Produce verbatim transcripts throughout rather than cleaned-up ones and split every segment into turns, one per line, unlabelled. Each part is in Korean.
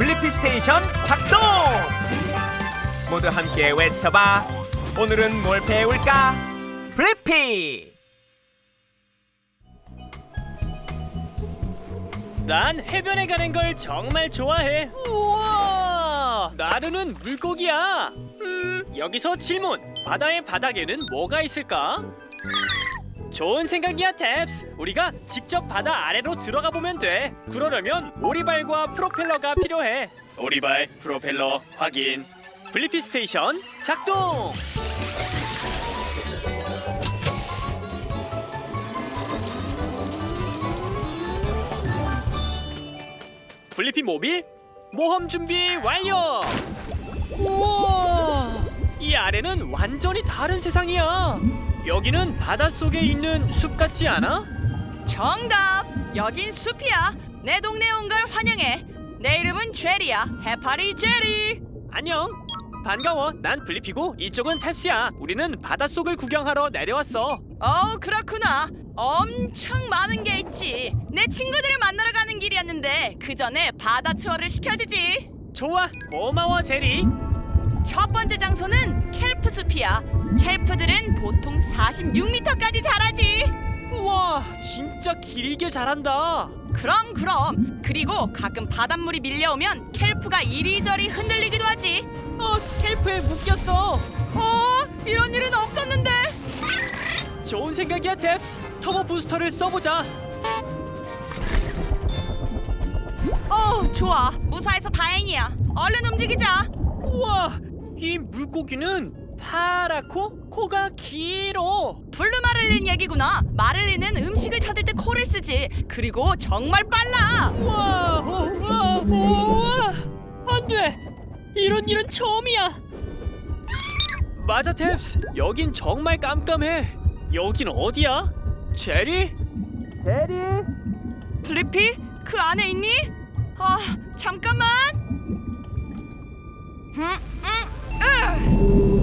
블리피 스테이션 작동! 모두 함께 외쳐봐. 오늘은 뭘 배울까? 블리피!
난 해변에 가는 걸 정말 좋아해. 우와! 나르는 물고기야. 음, 여기서 질문. 바다의 바닥에는 뭐가 있을까? 좋은 생각이야, 탭스. 우리가 직접 바다 아래로 들어가 보면 돼. 그러려면 오리발과 프로펠러가 필요해. 오리발, 프로펠러 확인. 블리피 스테이션 작동! 블리피 모빌 모험 준비 완료! 우와! 이 아래는 완전히 다른 세상이야. 여기는 바닷속에 있는 숲 같지 않아?
정답! 여긴 숲이야. 내 동네에 온 걸 환영해. 내 이름은 제리야. 해파리 제리.
안녕. 반가워. 난 블리피고 이쪽은 탭스야. 우리는 바닷속을 구경하러 내려왔어.
어, 그렇구나. 엄청 많은 게 있지. 내 친구들을 만나러 가는 길이었는데 그 전에 바다 투어를 시켜주지.
좋아. 고마워, 제리.
첫 번째 장소는 켈프 숲이야. 켈프들은 보통 사십육 미터까지 자라지.
우와, 진짜 길게 자란다.
그럼 그럼. 그리고 가끔 바닷물이 밀려오면 켈프가 이리저리 흔들리기도 하지.
어, 켈프에 묶였어.
어, 이런 일은 없었는데.
좋은 생각이야, 탭스. 터보 부스터를 써보자.
어, 좋아. 무사해서 다행이야. 얼른 움직이자.
우와, 이 물고기는 파랗고 코가 길어.
블루 마를린 얘기구나. 마를린은 음식을 찾을 때 코를 쓰지. 그리고 정말 빨라.
우와, 우와, 우와. 안 돼. 이런 일은 처음이야. 맞아, 탭스. 여긴 정말 깜깜해. 여긴 어디야? 제리? 제리?
블리피? 그 안에 있니? 아, 잠깐만. 음, 음,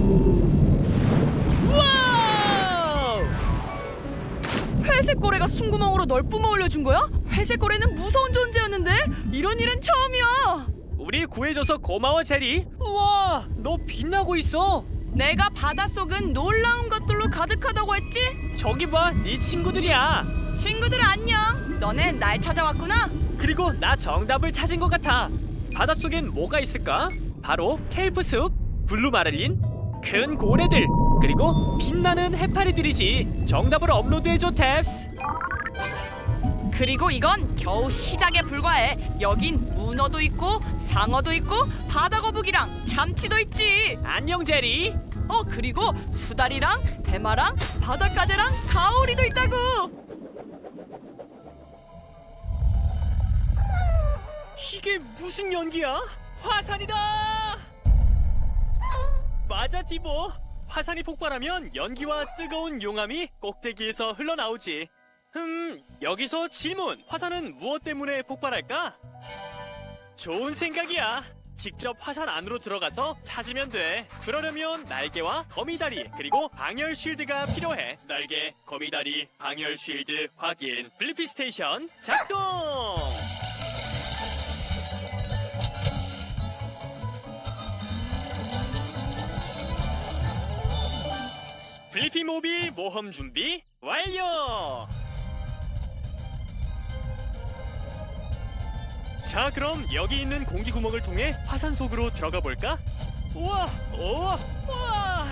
우와!
회색 고래가 숨구멍으로 널 뿜어 올려준 거야? 회색 고래는 무서운 존재였는데 이런 일은 처음이야.
우리 구해줘서 고마워, 제리. 우와, 너 빛나고 있어.
내가 바닷속은 놀라운 것들로 가득하다고 했지?
저기 봐, 네 친구들이야.
친구들 안녕. 너네 날 찾아왔구나.
그리고 나 정답을 찾은 것 같아. 바닷속엔 뭐가 있을까? 바로 켈프숲, 블루 마를린, 큰 고래들, 그리고 빛나는 해파리들이지. 정답을 업로드해줘, 탭스.
그리고 이건 겨우 시작에 불과해. 여긴 문어도 있고 상어도 있고 바다거북이랑 잠치도 있지.
안녕, 제리.
어, 그리고 수달이랑 해마랑 바닷가재랑 가오리도 있다고.
이게 무슨 연기야? 화산이다! 맞아, 디보. 화산이 폭발하면 연기와 뜨거운 용암이 꼭대기에서 흘러나오지. 흠, 여기서 질문. 화산은 무엇 때문에 폭발할까? 좋은 생각이야. 직접 화산 안으로 들어가서 찾으면 돼. 그러려면 날개와 거미다리 그리고 방열 쉴드가 필요해. 날개, 거미다리, 방열 쉴드 확인. 블리피 스테이션 작동! 블리피 모빌 모험 준비 완료! 자, 그럼 여기 있는 공기 구멍을 통해 화산 속으로 들어가 볼까? 우와, 우와, 우와.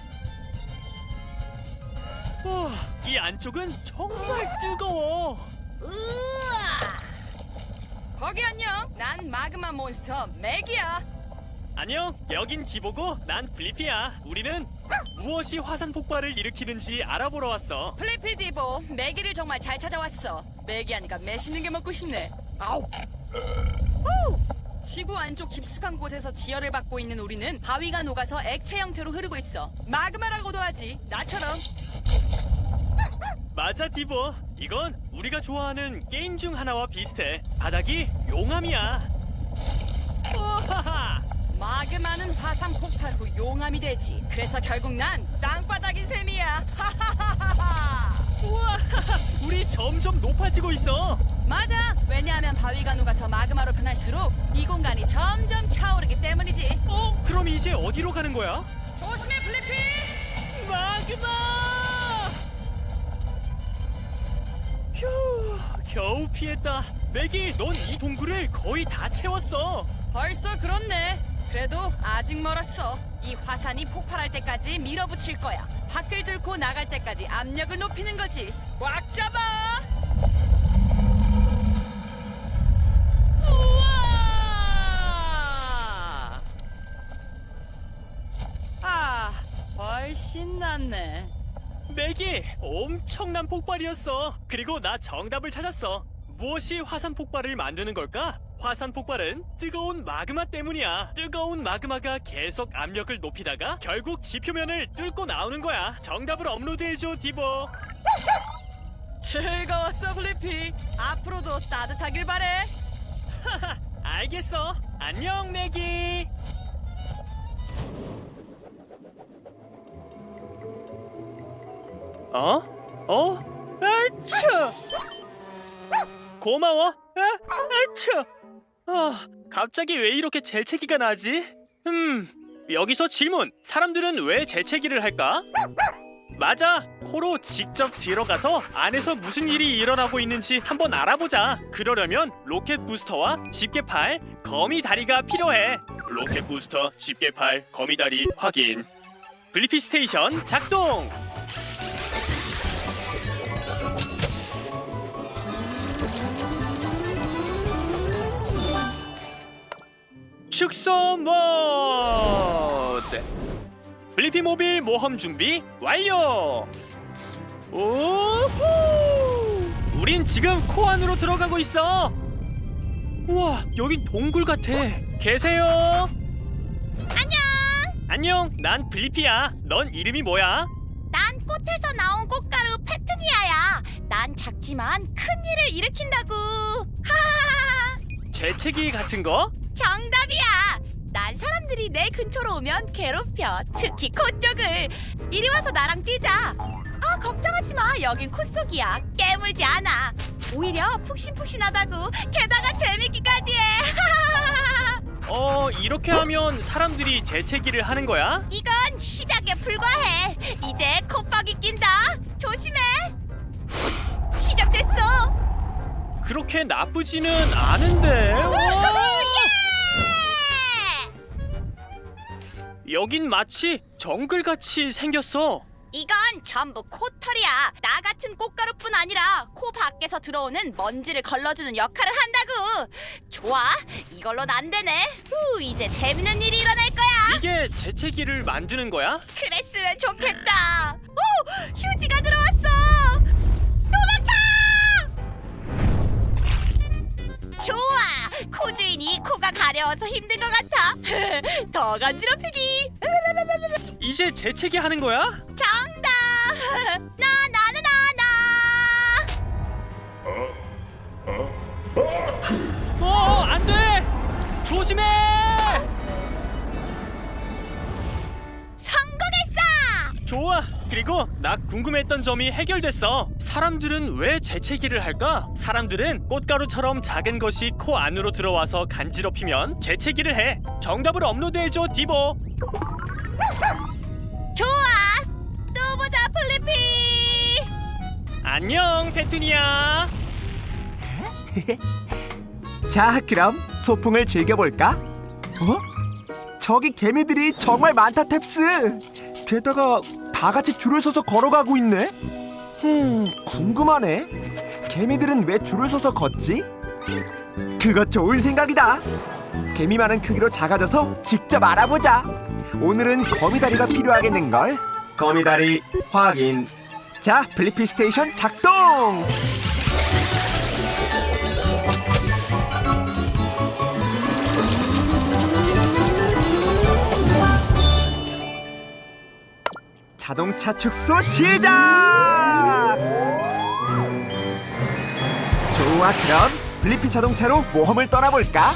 우와, 이 안쪽은 정말 뜨거워.
거기 안녕. 난 마그마 몬스터 맥이야.
안녕, 여긴 디보고 난 블리피야. 우리는 무엇이 화산 폭발을 일으키는지 알아보러 왔어.
플리피 디보, 맥이를 정말 잘 찾아왔어. 맥이 하니까 매시는 게 먹고 싶네. 아우. 후! 지구 안쪽 깊숙한 곳에서 지혈을 받고 있는 우리는 바위가 녹아서 액체 형태로 흐르고 있어. 마그마라고도 하지. 나처럼.
맞아, 디보. 이건 우리가 좋아하는 게임 중 하나와 비슷해. 바닥이 용암이야. 우하하!
마그마는 화산 폭발 후 용암이 되지. 그래서 결국 난 땅바닥인 셈이야. 하하하하.
우와, 우리 점점 높아지고 있어.
맞아. 왜냐하면 바위가 녹아서 마그마로 변할수록 이 공간이 점점 차오르기 때문이지.
어? 그럼 이제 어디로 가는 거야?
조심해, 블리피!
마그마! 휴, 겨우 피했다. 맥이, 넌 이 동굴을 거의 다 채웠어.
벌써 그렇네. 그래도 아직 멀었어. 이 화산이 폭발할 때까지 밀어붙일 거야. 밖을 뚫고 나갈 때까지 압력을 높이는 거지. 꽉 잡아! 우와! 아, 훨씬 낫네.
맥이 엄청난 폭발이었어. 그리고 나 정답을 찾았어. 무엇이 화산 폭발을 만드는 걸까? 화산 폭발은 뜨거운 마그마 때문이야. 뜨거운 마그마가 계속 압력을 높이다가 결국 지표면을 뚫고 나오는 거야. 정답을 업로드해줘, 디보.
즐거웠어, 블리피. 앞으로도 따뜻하길 바래.
하하, 알겠어. 안녕, 맥이. 어? 어? 아차! 고마워. 아, 아차! 아, 갑자기 왜 이렇게 재채기가 나지? 음, 여기서 질문. 사람들은 왜 재채기를 할까? 맞아. 코로 직접 들어가서 안에서 무슨 일이 일어나고 있는지 한번 알아보자. 그러려면 로켓 부스터와 집게팔, 거미다리가 필요해. 로켓 부스터, 집게팔, 거미다리 확인. 블리피 스테이션 작동! 축소 모드! 블리피 모빌 모험 준비 완료! 오호! 우린 지금 코 안으로 들어가고 있어! 우와, 여긴 동굴 같아. 계세요?
안녕!
안녕, 난 블리피야. 넌 이름이 뭐야?
난 꽃에서 나온 꽃가루 페투니아야. 난 작지만 큰 일을 일으킨다고. 하하하.
재채기 같은 거?
정답이야. 난 사람들이 내 근처로 오면 괴롭혀. 특히 코 쪽을. 이리 와서 나랑 뛰자. 아, 걱정하지 마. 여긴 코 속이야. 깨물지 않아. 오히려 푹신푹신하다고. 게다가 재밌기까지 해. 하하하.
어, 이렇게 하면 사람들이 재채기를 하는 거야?
이건 시작에 불과해. 이제 콧박이 낀다. 조심해. 시작됐어.
그렇게 나쁘지는 않은데. 와! 여긴 마치 정글같이 생겼어.
이건 전부 코털이야. 나 같은 꽃가루뿐 아니라 코 밖에서 들어오는 먼지를 걸러주는 역할을 한다고. 좋아, 이걸로는 안 되네. 후, 이제 재밌는 일이 일어날 거야.
이게 재채기를 만드는 거야?
그랬으면 좋겠다. 오, 휴지가 들어왔어. 도망쳐! 좋아, 코 주인이 코가 가려워서 힘든 것 같아. 더 간지럽히기.
이제 재채기 하는 거야?
정답. 나 나는 나 나.
어, 안 돼! 조심해!
성공했어.
좋아. 그리고 나 궁금했던 점이 해결됐어. 사람들은 왜 재채기를 할까? 사람들은 꽃가루처럼 작은 것이 코 안으로 들어와서 간지럽히면 재채기를 해. 정답을 업로드해줘, 디보.
좋아. 또 보자, 플리피.
안녕, 페투니아.
자, 그럼 소풍을 즐겨볼까? 어? 저기 개미들이 정말 많다, 탭스. 게다가 다 같이 줄을 서서 걸어가고 있네. 흠, 궁금하네. 개미들은 왜 줄을 서서 걷지? 그거 좋은 생각이다. 개미 많은 크기로 작아져서 직접 알아보자. 오늘은 거미다리가 필요하겠는걸. 거미다리 확인. 자, 블리피 스테이션 작동! 자동차 축소 시작! 좋아, 그럼 블리피 자동차로 모험을 떠나볼까?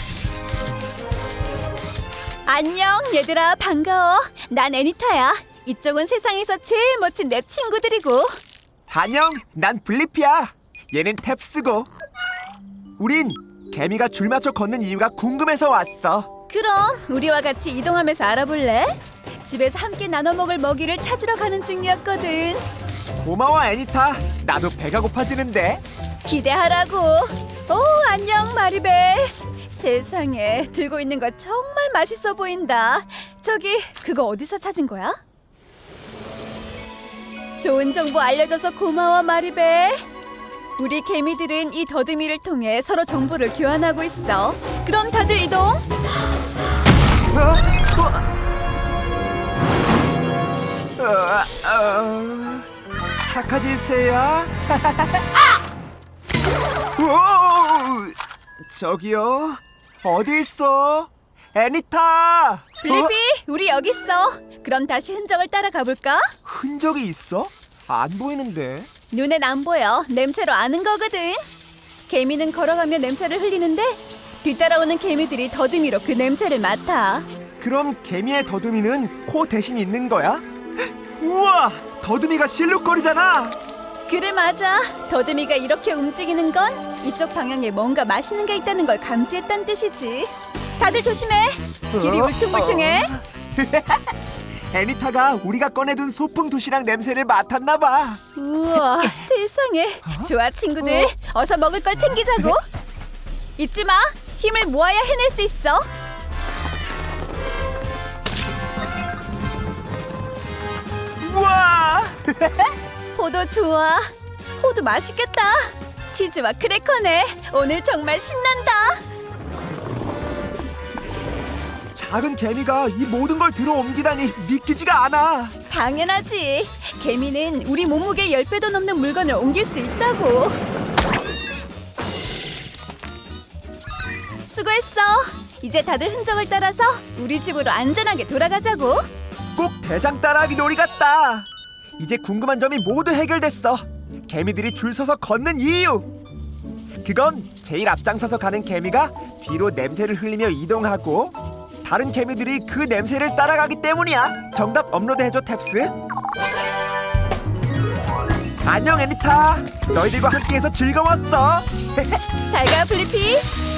안녕 얘들아, 반가워. 난 애니타야. 이쪽은 세상에서 제일 멋진 랩 친구들이고.
안녕, 난 블리피야. 얘는 탭스고. 우린 개미가 줄 맞춰 걷는 이유가 궁금해서 왔어.
그럼 우리와 같이 이동하면서 알아볼래? 집에서 함께 나눠 먹을 먹이를 찾으러 가는 중이었거든.
고마워 애니타. 나도 배가 고파지는데.
기대하라고. 오, 안녕 마리벨. 세상에, 들고 있는 거 정말 맛있어 보인다. 저기, 그거 어디서 찾은 거야? 좋은 정보 알려줘서 고마워 마리벨. 우리 개미들은 이 더듬이를 통해 서로 정보를 교환하고 있어. 그럼 다들 이동.
어? 어? 어, 어, 착하지 새야. 오, 저기요. 어디 있어? 애니타.
블리피,
어?
우리 여기 있어. 그럼 다시 흔적을 따라가 볼까?
흔적이 있어? 안 보이는데.
눈엔 안 보여. 냄새로 아는 거거든. 개미는 걸어가며 냄새를 흘리는데 뒤따라오는 개미들이 더듬이로 그 냄새를 맡아.
그럼 개미의 더듬이는 코 대신 있는 거야? 우와! 더듬이가 실룩거리잖아.
그래, 맞아. 더듬이가 이렇게 움직이는 건 이쪽 방향에 뭔가 맛있는 게 있다는 걸 감지했다는 뜻이지. 다들 조심해. 길이
어?
울퉁불퉁해.
애니타가 우리가 꺼내둔 소풍 도시락 냄새를 맡았나 봐.
우와, 세상에. 좋아, 친구들. 어서 먹을 걸 챙기자고. 잊지 마. 힘을 모아야 해낼 수 있어.
우와!
호두 좋아. 호두 맛있겠다. 치즈와 크래커네. 오늘 정말 신난다.
작은 개미가 이 모든 걸 들어 옮기다니 믿기지가 않아.
당연하지. 개미는 우리 몸무게 십 배도 넘는 물건을 옮길 수 있다고. 수고했어. 이제 다들 흔적을 따라서 우리 집으로 안전하게 돌아가자고.
꼭 대장 따라하기 놀이 같다. 이제 궁금한 점이 모두 해결됐어. 개미들이 줄 서서 걷는 이유. 그건 제일 앞장서서 가는 개미가 뒤로 냄새를 흘리며 이동하고 다른 개미들이 그 냄새를 따라가기 때문이야. 정답 업로드해줘 탭스. 안녕 애니타. 너희들과 함께해서 즐거웠어.
잘 가, 블리피.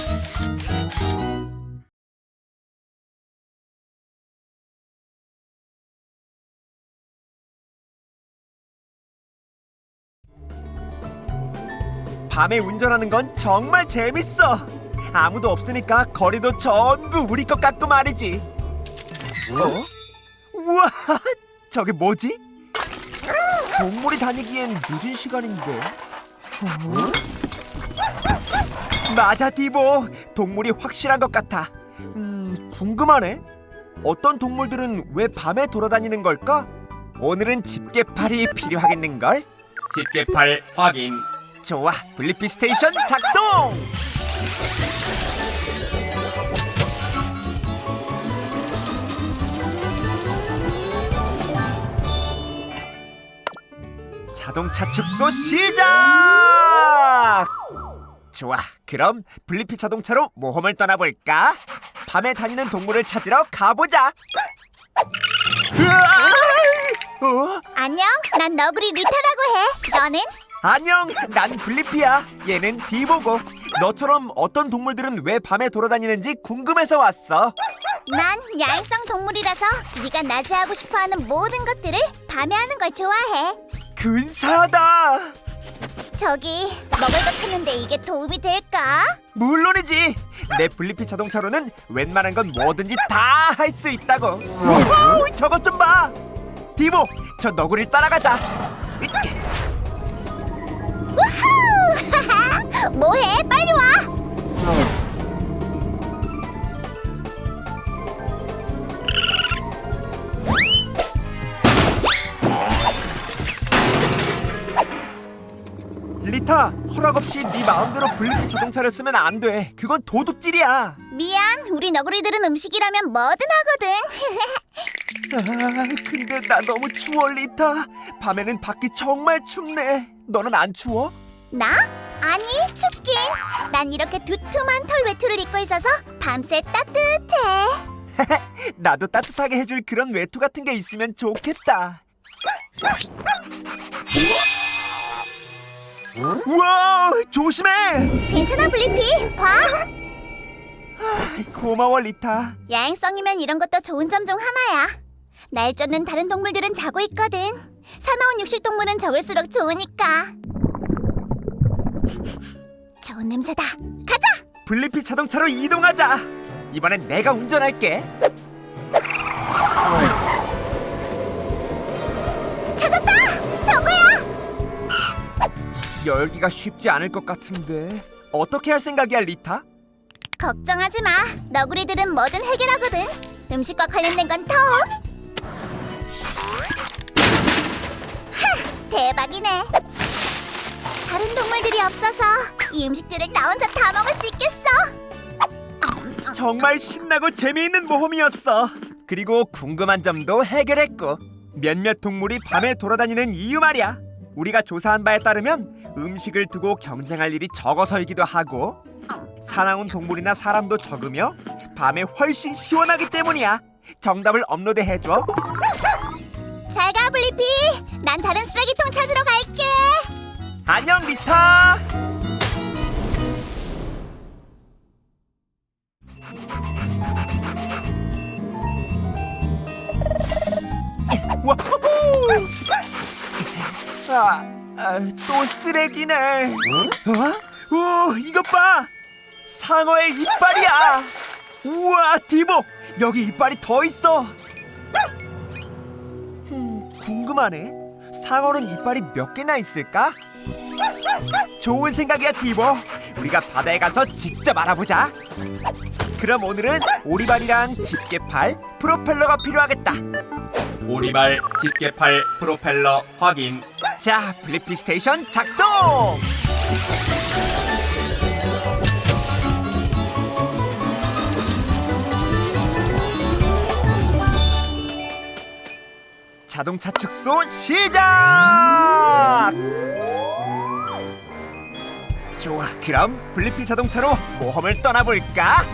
밤에 운전하는 건 정말 재밌어. 아무도 없으니까 거리도 전부 우리 것 같고 말이지. 어? 우와, 저게 뭐지? 동물이 다니기엔 늦은 시간인데. 어? 맞아, 디보. 동물이 확실한 것 같아. 음, 궁금하네. 어떤 동물들은 왜 밤에 돌아다니는 걸까? 오늘은 집게팔이 필요하겠는걸? 집게팔 확인. 좋아, 블리피 스테이션 작동! 자동차 축소 시작! 좋아, 그럼 블리피 자동차로 모험을 떠나볼까? 밤에 다니는 동물을 찾으러 가보자! 으아! 어?
안녕, 난 너구리 리타라고 해. 너는?
안녕, 난 블리피야. 얘는 디보고. 너처럼 어떤 동물들은 왜 밤에 돌아다니는지 궁금해서 왔어.
난 야행성 동물이라서 네가 낮에 하고 싶어하는 모든 것들을 밤에 하는 걸 좋아해.
근사하다.
저기 먹을 거 찾는데 이게 도움이 될까?
물론이지. 내 블리피 자동차로는 웬만한 건 뭐든지 다 할 수 있다고. 오, 저것 좀 봐. 디보, 저 너구리를 따라가자.
우후! 뭐해? 빨리 와!
리타, 허락 없이 네 마음대로 블리피 자동차를 쓰면 안 돼. 그건 도둑질이야.
미안, 우리 너구리들은 음식이라면 뭐든 하거든.
아, 근데 나 너무 추워, 리타. 밤에는 밖이 정말 춥네. 너는 안 추워?
나? 아니, 춥긴. 난 이렇게 두툼한 털 외투를 입고 있어서 밤새 따뜻해.
나도 따뜻하게 해줄 그런 외투 같은 게 있으면 좋겠다. 우와, 조심해.
괜찮아 블리피. 봐.
고마워 리타.
야행성이면 이런 것도 좋은 점 중 하나야. 날 쫓는 다른 동물들은 자고 있거든. 사나운 육식동물은 적을수록 좋으니까. 좋은 냄새다. 가자.
블리피 자동차로 이동하자. 이번엔 내가 운전할게.
찾았다. 저거야.
열기가 쉽지 않을 것 같은데 어떻게 할 생각이야 리타?
걱정하지 마. 너구리들은 뭐든 해결하거든. 음식과 관련된 건 더. 하! 대박이네. 다른 동물들이 없어서 이 음식들을 나 혼자 다 먹을 수 있겠어.
정말 신나고 재미있는 모험이었어. 그리고 궁금한 점도 해결했고 몇몇 동물이 밤에 돌아다니는 이유 말이야. 우리가 조사한 바에 따르면 음식을 두고 경쟁할 일이 적어서이기도 하고 사나운 동물이나 사람도 적으며 밤에 훨씬 시원하기 때문이야. 정답을 업로드해줘.
잘 가 블리피. 난 다른 쓰레기통 찾으러 갈게.
안녕 리타. 와호호! 아, 아, 또 쓰레기네. 어? 오, 이것 봐. 상어의 이빨이야. 우와, 디보. 여기 이빨이 더 있어. 음, 궁금하네. 상어는 이빨이 몇 개나 있을까? 좋은 생각이야, 디보. 우리가 바다에 가서 직접 알아보자. 그럼 오늘은 오리발이랑 집게팔, 프로펠러가 필요하겠다. 오리발, 집게팔, 프로펠러 확인. 자, 블리피 스테이션 작동! 자동차 축소 시작! 좋아, 그럼 블리피 자동차로 모험을 떠나볼까?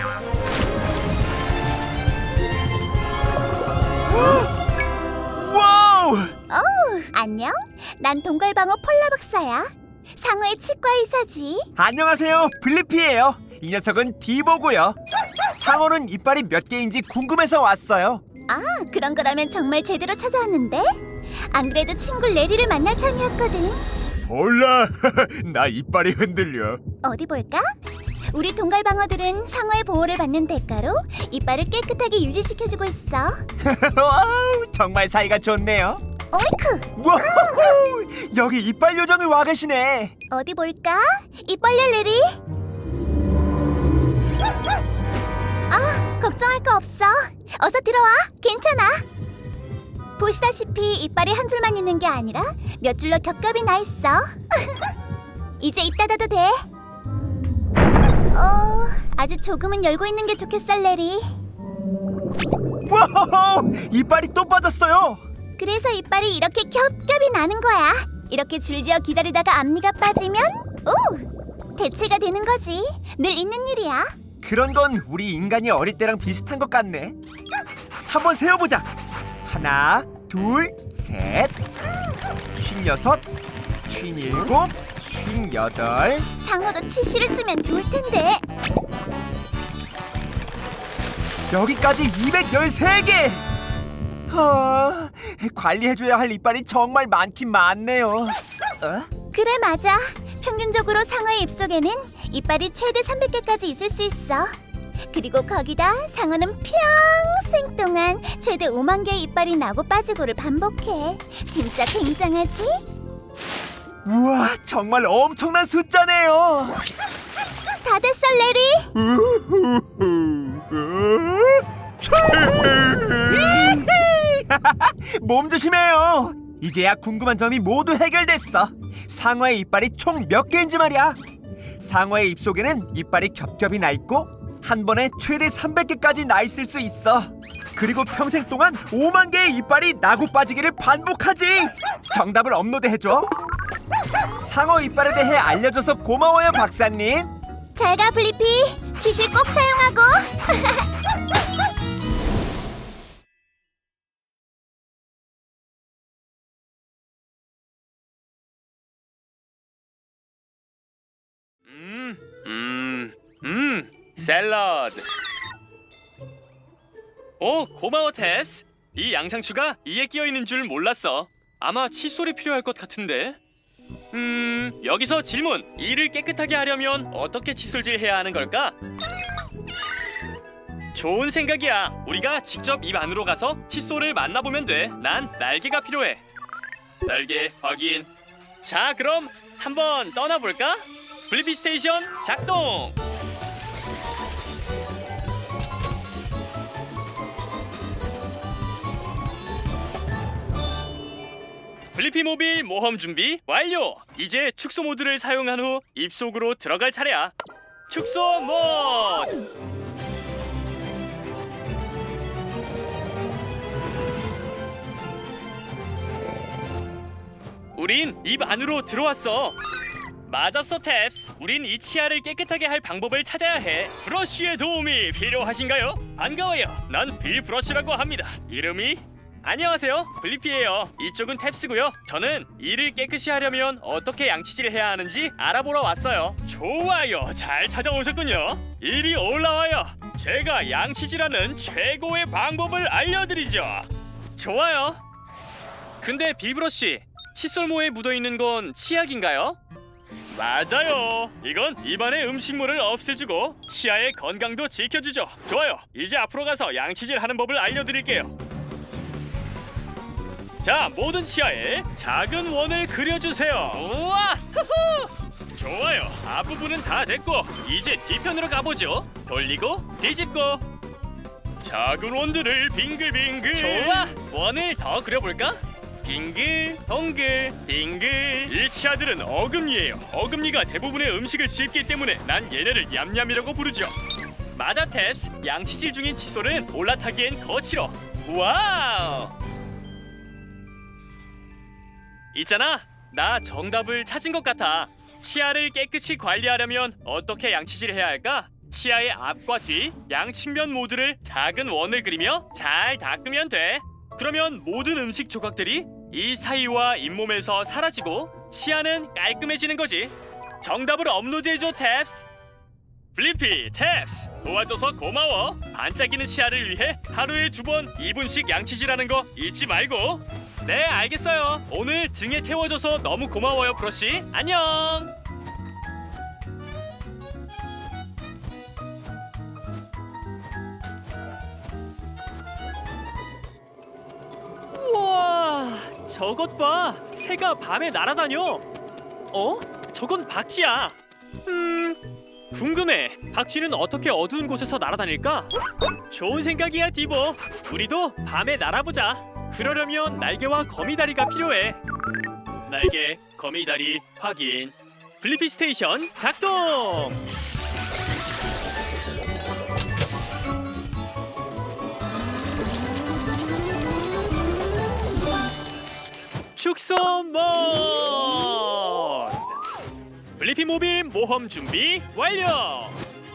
와우!
어우, 안녕. 난 동걸방어 폴라 박사야. 상어의 치과 의사지.
안녕하세요, 블리피예요. 이 녀석은 디보고요. 상어는 이빨이 몇 개인지 궁금해서 왔어요.
아, 그런 거라면 정말 제대로 찾아왔는데? 안 그래도 친구 레리를 만날 참이었거든.
몰라, 나 이빨이 흔들려.
어디 볼까? 우리 동갈방어들은 상어의 보호를 받는 대가로 이빨을 깨끗하게 유지시켜주고 있어.
와우, 정말 사이가 좋네요.
어이쿠!
와우, 여기 이빨 요정이 와 계시네.
어디 볼까? 입 벌려 레리. 아, 걱정할 거 없어. 어서 들어와. 괜찮아. 보시다시피 이빨이 한 줄만 있는 게 아니라 몇 줄로 겹겹이 나 있어. 이제 입 닫아도 돼. 어, 아주 조금은 열고 있는 게 좋겠어, 레리.
와우, 이빨이 또 빠졌어요.
그래서 이빨이 이렇게 겹겹이 나는 거야. 이렇게 줄지어 기다리다가 앞니가 빠지면 오! 대체가 되는 거지. 늘 있는 일이야.
그런 건 우리 인간이 어릴 때랑 비슷한 것 같네. 한번 세어보자. 하나, 둘, 셋, 쉰여섯, 쉰일곱, 쉰여덟.
상어도 치실을 쓰면 좋을 텐데.
여기까지 이백십삼 개. 아, 관리해줘야 할 이빨이 정말 많긴 많네요. 어?
그래, 맞아. 평균적으로 상어의 입속에는 이빨이 최대 삼백 개까지 있을 수 있어. 그리고 거기다 상어는 평생 동안 최대 오만 개의 이빨이 나고 빠지고를 반복해. 진짜 굉장하지?
우와, 정말 엄청난 숫자네요.
다 됐어, 레리.
몸 조심해요. 이제야 궁금한 점이 모두 해결됐어. 상어의 이빨이 총 몇 개인지 말이야. 상어의 입속에는 이빨이 겹겹이 나 있고 한 번에 최대 삼백 개까지 나 있을 수 있어. 그리고 평생 동안 오만 개의 이빨이 나고 빠지기를 반복하지. 정답을 업로드해줘. 상어 이빨에 대해 알려줘서 고마워요, 박사님.
잘 가, 블리피. 치실 꼭 사용하고.
샐러드. 오, 고마워 탭스. 이 양상추가 이에 끼어 있는 줄 몰랐어. 아마 칫솔이 필요할 것 같은데. 음, 여기서 질문. 이를 깨끗하게 하려면 어떻게 칫솔질 해야 하는 걸까? 좋은 생각이야. 우리가 직접 입 안으로 가서 칫솔을 만나보면 돼. 난 날개가 필요해. 날개 확인. 자, 그럼 한번 떠나볼까? 블리피 스테이션 작동. 블리피 모빌 모험 준비 완료. 이제 축소 모드를 사용한 후 입속으로 들어갈 차례야. 축소 모드. 우린 입 안으로 들어왔어. 맞았어 탭스. 우린 이 치아를 깨끗하게 할 방법을 찾아야 해. 브러쉬의 도움이 필요하신가요? 반가워요. 난 빌 브러쉬라고 합니다. 이름이? 안녕하세요. 블리피예요. 이쪽은 탭스고요. 저는 이를 깨끗이 하려면 어떻게 양치질을 해야 하는지 알아보러 왔어요. 좋아요. 잘 찾아오셨군요. 이리 올라와요. 제가 양치질하는 최고의 방법을 알려드리죠. 좋아요. 근데 빌브러쉬, 칫솔모에 묻어있는 건 치약인가요? 맞아요. 이건 입안의 음식물을 없애주고 치아의 건강도 지켜주죠. 좋아요. 이제 앞으로 가서 양치질 하는 법을 알려드릴게요. 자, 모든 치아에 작은 원을 그려주세요. 우와! 후후! 좋아요. 앞부분은 다 됐고 이제 뒤편으로 가보죠. 돌리고 뒤집고 작은 원들을 빙글빙글. 좋아! 원을 더 그려볼까? 빙글, 동글, 빙글. 이 치아들은 어금니예요. 어금니가 대부분의 음식을 씹기 때문에 난 얘네를 얌얌이라고 부르죠. 맞아 탭스. 양치질 중인 칫솔은 올라타기엔 거칠어. 와우! 있잖아, 나 정답을 찾은 것 같아. 치아를 깨끗이 관리하려면 어떻게 양치질을 해야 할까? 치아의 앞과 뒤, 양측면 모두를 작은 원을 그리며 잘 닦으면 돼. 그러면 모든 음식 조각들이 이 사이와 잇몸에서 사라지고 치아는 깔끔해지는 거지. 정답을 업로드해줘 탭스. 블리피, 탭스 도와줘서 고마워. 반짝이는 치아를 위해 하루에 두 번 이 분씩 양치질하는 거 잊지 말고. 네, 알겠어요. 오늘 등에 태워줘서 너무 고마워요 브러쉬. 안녕. 우와, 저것 봐. 새가 밤에 날아다녀. 어? 저건 박쥐야. 음, 궁금해. 박쥐는 어떻게 어두운 곳에서 날아다닐까? 좋은 생각이야 디보. 우리도 밤에 날아보자. 그러려면 날개와 거미다리가 필요해. 날개, 거미다리 확인. 블리피 스테이션 작동. 축소 모드. 블리피 모빌 모험 준비 완료.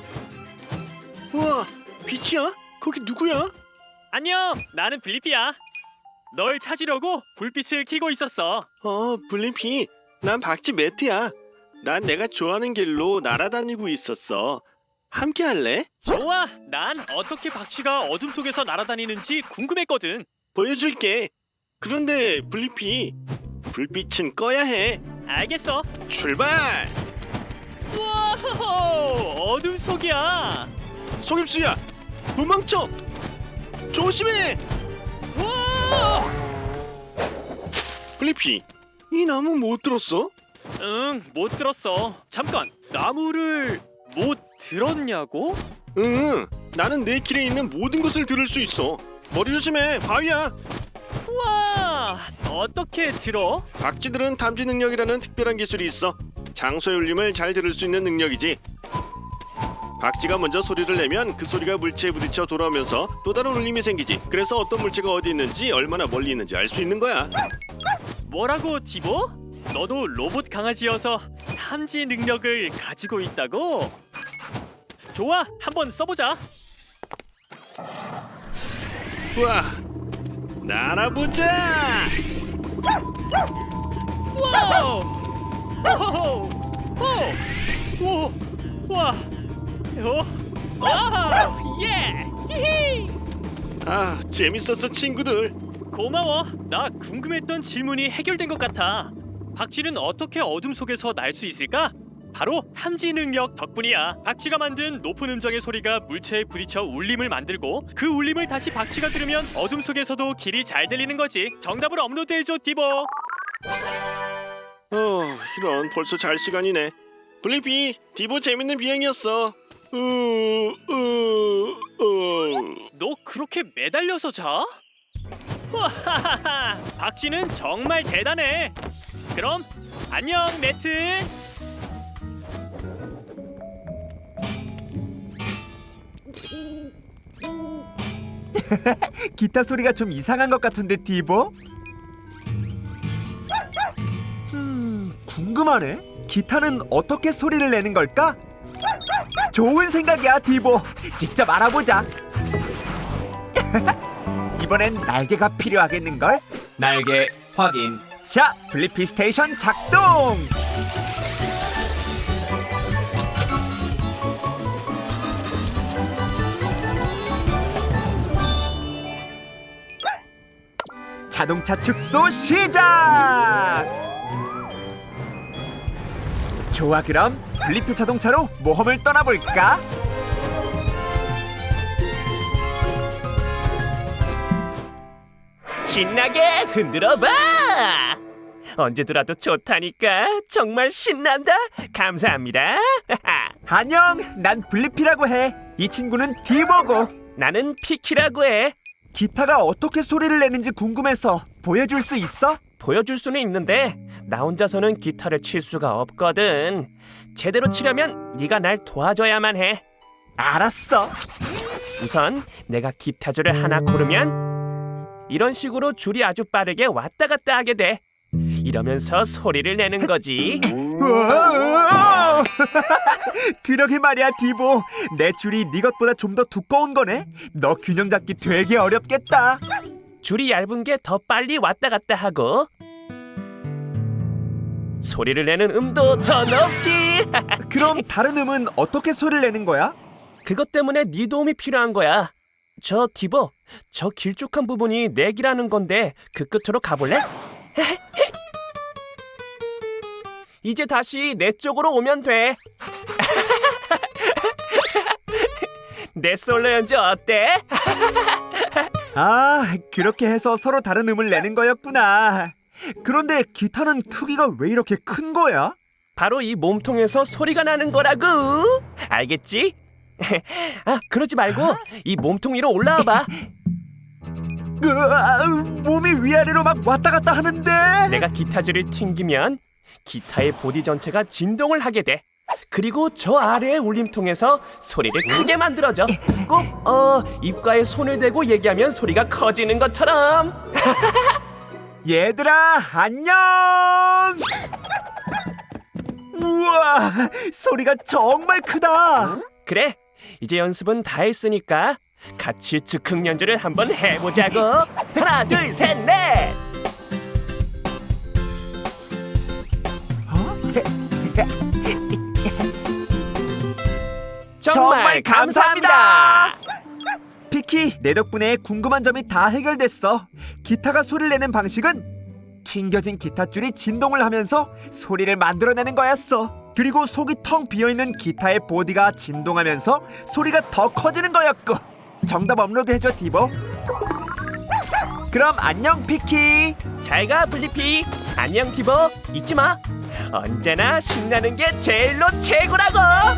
우와, 빛이야? 거기 누구야?
안녕, 나는 블리피야. 널 찾으려고 불빛을 켜고 있었어.
어, 블리피. 난 박쥐 매트야. 난 내가 좋아하는 길로 날아다니고 있었어. 함께 할래?
좋아, 난 어떻게 박쥐가 어둠 속에서 날아다니는지 궁금했거든.
보여줄게. 그런데 블리피, 불빛은 꺼야 해.
알겠어.
출발!
우와, 어둠 속이야.
속임수야, 도망쳐! 조심해!
우와!
블리피, 이 나무 못 들었어?
응, 못 들었어. 잠깐, 나무를 못 들었냐고?
응, 나는 내 길에 있는 모든 것을 들을 수 있어. 머리 조심해, 바위야.
우와, 어떻게 들어?
박쥐들은 탐지 능력이라는 특별한 기술이 있어. 장소의 울림을 잘 들을 수 있는 능력이지. 박쥐가 먼저 소리를 내면 그 소리가 물체에 부딪혀 돌아오면서 또 다른 울림이 생기지. 그래서 어떤 물체가 어디 있는지 얼마나 멀리 있는지 알 수 있는 거야.
뭐라고, 디보? 너도 로봇 강아지여서 탐지 능력을 가지고 있다고? 좋아, 한번 써보자.
우와, 날아보자.
와우! 오호호! 오! 오! 와! 어? 오, 예! 히히!
아, 재밌었어 친구들.
고마워. 나 궁금했던 질문이 해결된 것 같아. 박쥐는 어떻게 어둠 속에서 날 수 있을까? 바로 탐지 능력 덕분이야. 박쥐가 만든 높은 음정의 소리가 물체에 부딪혀 울림을 만들고 그 울림을 다시 박쥐가 들으면 어둠 속에서도 길이 잘 들리는 거지. 정답을 업로드해줘, 디보.
어, 이런 벌써 잘 시간이네. 블리피, 디보 재밌는 비행이었어. 어, 어, 어.
너 그렇게 매달려서 자? 와하하하, 박쥐는 정말 대단해. 그럼 안녕, 매트.
기타 소리가 좀 이상한 것 같은데 디보? 음, 궁금하네. 기타는 어떻게 소리를 내는 걸까? 좋은 생각이야, 디보. 직접 알아보자. 이번엔 날개가 필요하겠는걸? 날개 확인. 자, 블리피 스테이션 작동! 자동차 축소 시작! 좋아, 그럼 블리피 자동차로 모험을 떠나볼까?
신나게 흔들어봐. 언제 들어도 좋다니까. 정말 신난다. 감사합니다.
안녕, 난 블리피라고 해. 이 친구는 디보고.
나는 피키라고 해.
기타가 어떻게 소리를 내는지 궁금해서 보여줄 수 있어?
보여줄 수는 있는데 나 혼자서는 기타를 칠 수가 없거든. 제대로 치려면 네가 날 도와줘야만 해.
알았어.
우선 내가 기타줄을 하나 고르면 이런 식으로 줄이 아주 빠르게 왔다 갔다 하게 돼. 이러면서 소리를 내는 거지.
우와! 그러게 말이야, 디보. 내 줄이 네 것보다 좀 더 두꺼운 거네. 너 균형 잡기 되게 어렵겠다.
줄이 얇은 게 더 빨리 왔다 갔다 하고 소리를 내는 음도 더 높지.
그럼 다른 음은 어떻게 소리를 내는 거야?
그것 때문에 네 도움이 필요한 거야. 저 디보, 저 길쭉한 부분이 내기라는 건데 그 끝으로 가볼래? 이제 다시 내 쪽으로 오면 돼. 내 솔로 연주 어때?
아, 그렇게 해서 서로 다른 음을 내는 거였구나. 그런데 기타는 크기가 왜 이렇게 큰 거야?
바로 이 몸통에서 소리가 나는 거라고. 알겠지? 아, 그러지 말고 이 몸통 위로 올라와 봐.
으아, 몸이 위아래로 막 왔다 갔다 하는데.
내가 기타줄을 튕기면 기타의 보디 전체가 진동을 하게 돼. 그리고 저 아래의 울림통에서 소리를 크게 만들어줘. 꼭 어, 입가에 손을 대고 얘기하면 소리가 커지는 것처럼.
얘들아, 안녕. 우와, 소리가 정말 크다.
그래, 이제 연습은 다 했으니까 같이 즉흥 연주를 한번 해보자고. 하나, 둘, 셋, 넷. 정말 감사합니다.
피키, 내 덕분에 궁금한 점이 다 해결됐어. 기타가 소리를 내는 방식은 튕겨진 기타줄이 진동을 하면서 소리를 만들어내는 거였어. 그리고 속이 텅 비어있는 기타의 보디가 진동하면서 소리가 더 커지는 거였고. 정답 업로드해줘, 디보. 그럼 안녕, 피키.
잘가 블리피. 안녕 디보. 잊지마, 언제나 신나는 게 제일로 최고라고.